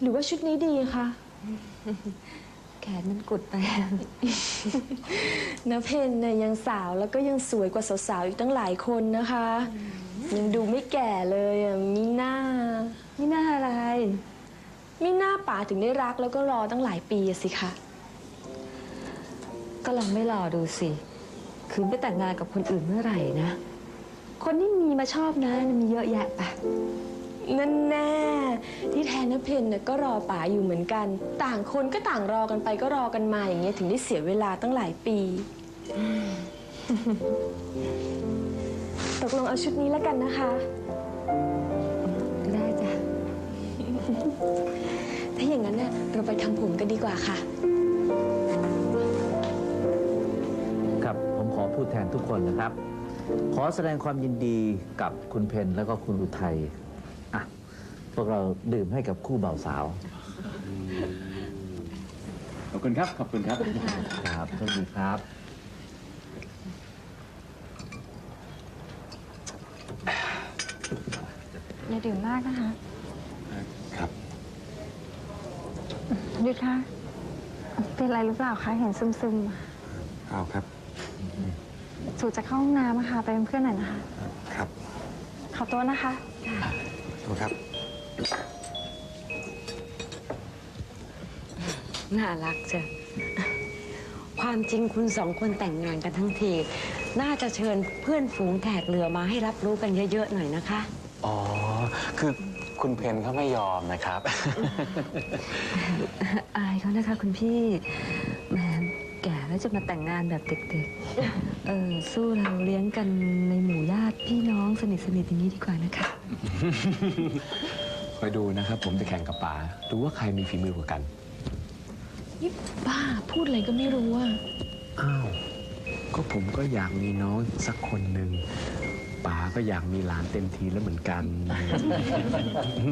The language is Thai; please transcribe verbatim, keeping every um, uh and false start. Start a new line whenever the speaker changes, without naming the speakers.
หรือว่าชุดนี้ดีคะ
แขนมันกุดไป
น้าเพนเนี่ยยังสาวแล้วก็ยังสวยกว่าสาวๆอีกตั้งหลายคนนะคะ ยังดูไม่แก่เลยอ่ะมีหน้ามีหน้าอะไรมีหน้าป๋าถึงได้รักแล้วก็รอตั้งหลายปีสิคะ
ก็ลองไม่รอดูสิคืนไปแต่งงานกับคนอื่นเมื่อไหร่นะคนที่มีมาชอบนะมีเยอะแยะปะ
นั่นแน่ที่แทนน้าเพนเนี่ยก็รอป๋าอยู่เหมือนกันต่างคนก็ต่างรอกันไปก็รอกันมาอย่างเงี้ยถึงได้เสียเวลาตั้งหลายปีตกลงเอาชุดนี้แล้วกันนะคะ
ได้จ้ะ
ถ้าอย่างนั้นเนี่ยเราไปทำผมกันดีกว่าค่ะ
ครับผมขอพูดแทนทุกคนนะครับ ขอแสดงความยินดีกับคุณเพนแล้วก็คุณอุทัยอ่ะพวกเราดื่มให้กับคู่บ่าวสาว
ขอบคุณครับขอบคุณครับ
ครับสวัสดีครับ
อย่าดื่มมากนะคะ
ครับ
หยุดค่ะเป็นอะไรหรือเปล่าคะเห็นซึม
เปล่าครับ
ๆสูจะเข้าห้องน้ำอะค่ะไปเป็นเพื่อนหน่อยนะคะ
ครับ
ขอตัวนะคะ
ขอบครับ
น่ารักจ้ะความจริงคุณสองคนแต่งงานกันทั้งทีน่าจะเชิญเพื่อนฝูงแขกเรือมาให้รับรู้กันเยอะๆหน่อยนะคะ
อ๋อคือคุณเพนเขาไม่ยอมนะครับ
อายเขานะคะคุณพี่แหมแก่แล้วจะมาแต่งงานแบบเด็กๆเออสู้เราเลี้ยงกันในหมู่ญาติพี่น้องสนิทสนิทอย่างนี้ดีกว่านะคะ
คอยดูนะครับผมจะแข่งกับป๋าดูว่าใครมีฝีมือกว่ากัน
นี่บ้าพูดอะไรก็ไม่รู้อ่ะ
อ้าวก็ผมก็อยากมีน้องสักคนหนึ่งป๋าก็อยากมีหลานเต็มทีแล้วเหมือนกัน